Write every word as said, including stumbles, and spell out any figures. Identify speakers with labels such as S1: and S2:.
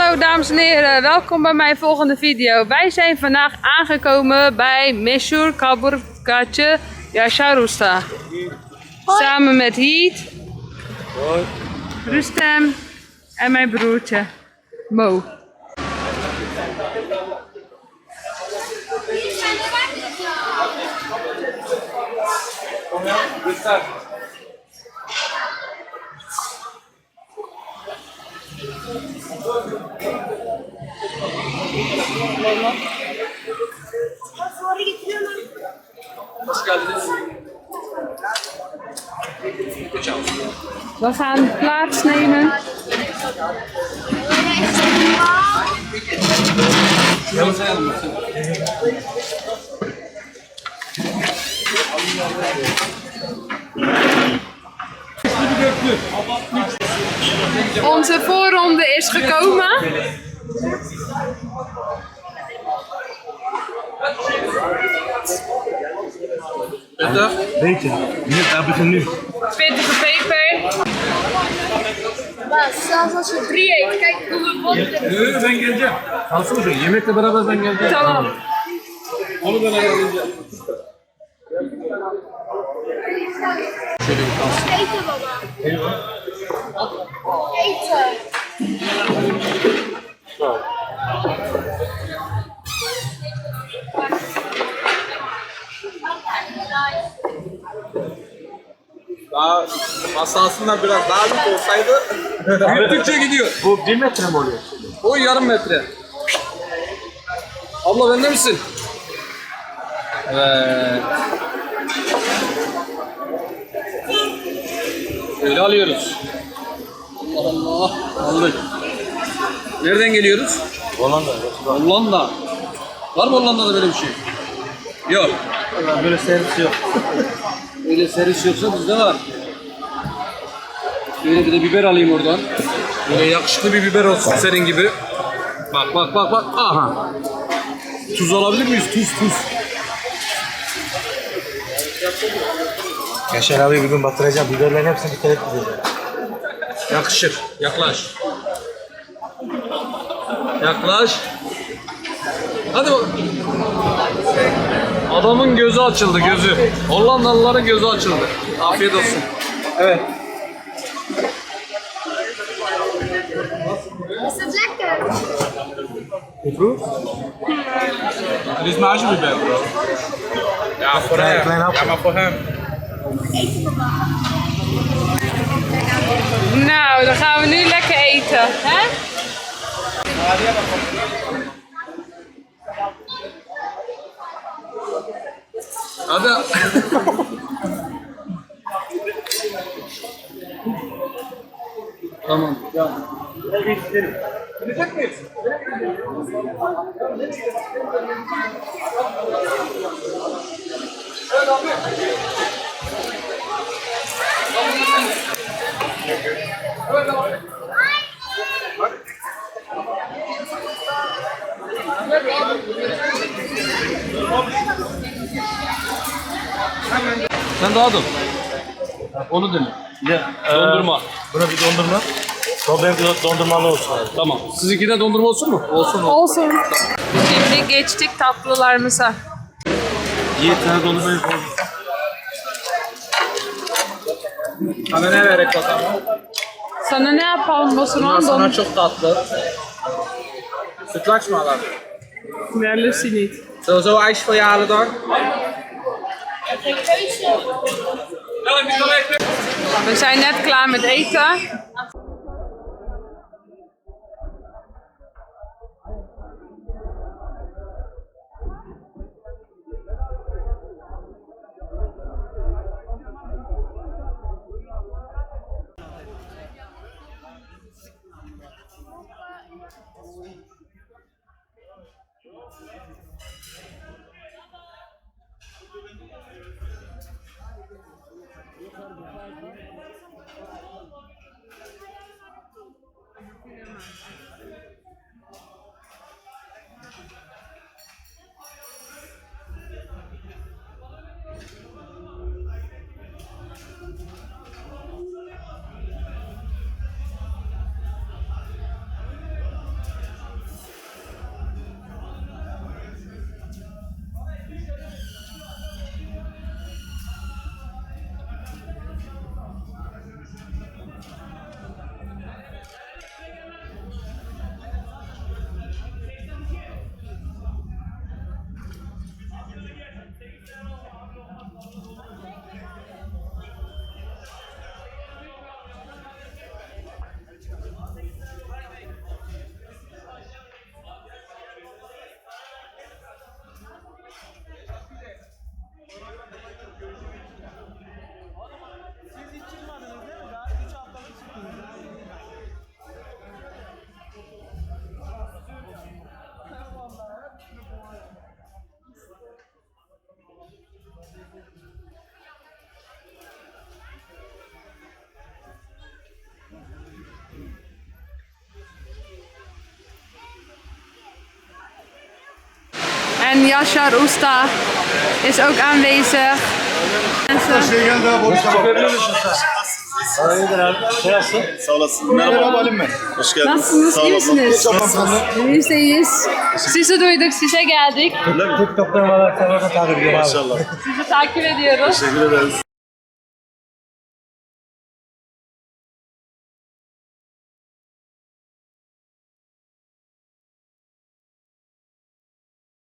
S1: Hallo dames en heren, welkom bij mijn volgende video. Wij zijn vandaag aangekomen bij Meshur Kaburgache Yashar Usta. Samen met Heat,
S2: Hoi.
S1: Rustem en mijn broertje Mo.
S2: Hoş geldiniz.
S1: We gaan plaatsnemen. Onze voorronde is gekomen.
S2: Bitte?
S3: Weet je, nu, daar begin nu.
S1: Pittige peper.
S4: Maar zelfs als je drie eet, kijk hoeveel botten er
S2: Yo, ben geleceğim. Kalsın şu yemekle beraber ben geleceğim.
S1: Tamam.
S2: Onu ben ayarlayacağım. Şöyle bir kalsın.
S4: eten, baba.
S2: Eyvah.
S4: Eten.
S5: Daha masa aslında biraz daha büyük olsaydı
S2: Büyüttükçe gidiyor.
S3: Bu bir metre mi oluyor?
S2: O yarım metre. Abla bende misin? Evet. Öyle alıyoruz. Allah Allah. Aldık. Nereden geliyoruz?
S3: Hollanda.
S2: Hollanda. Var mı Hollanda'da böyle bir şey? Yok.
S3: Böyle servis yok.
S2: Öyle servis yoksa bizde var. Böyle bir de biber alayım oradan. Böyle yakışıklı bir biber olsun senin gibi. Bak bak bak bak. Aha. Tuz alabilir miyiz? Tuz tuz.
S3: Yaşar abi bir gün batıracağım. Biberlerin hepsini bir kere gideceğim.
S2: Yakışır. Yaklaş. Yaklaş. Hadi bak. Adamın gözü açıldı gözü. Hollandalıların gözü açıldı. Afiyet olsun. Evet.
S4: Is het lekker?
S5: dit is maasjebiber, bro. Ja, voor
S3: Klein,
S5: hem.
S3: klein hapje.
S5: Ja, maar voor hem.
S1: Nou, dan gaan we nu lekker eten. Hè?
S2: Hadi. Tamam. Ya. Sen daha dur. Onu dene.
S3: Ya,
S2: Dondurma.
S3: Buna bir dondurma. O benim bir dondurmalı olsun abi.
S2: Tamam. Sizinki de dondurma olsun mu? Olsun.
S1: Olsun. Şimdi geçtik tatlılarımıza.
S3: Yiğit tane dondurmayı koy.
S5: Hadi ne verek bakalım?
S1: Sana ne yapalım o zaman?
S5: Sana
S1: Don
S5: çok tatlı. Sütlaç mı alalım?
S1: Nerlisi niet.
S5: Sowieso ijs voor je halen dan?
S1: We zijn net klaar met eten. Yaşar Usta is ook aanwezig. Mensen.
S3: Sağ olasın. Merhaba Halim ben. Hoş geldin.
S1: Nasılsınız? İyi misiniz? Biz de iyiyiz. Sizi duyduk, size geldik.
S3: TikTok'tan bana sana takip ediyorum abi.
S1: Sizi takip ediyoruz.
S3: Teşekkür ederiz.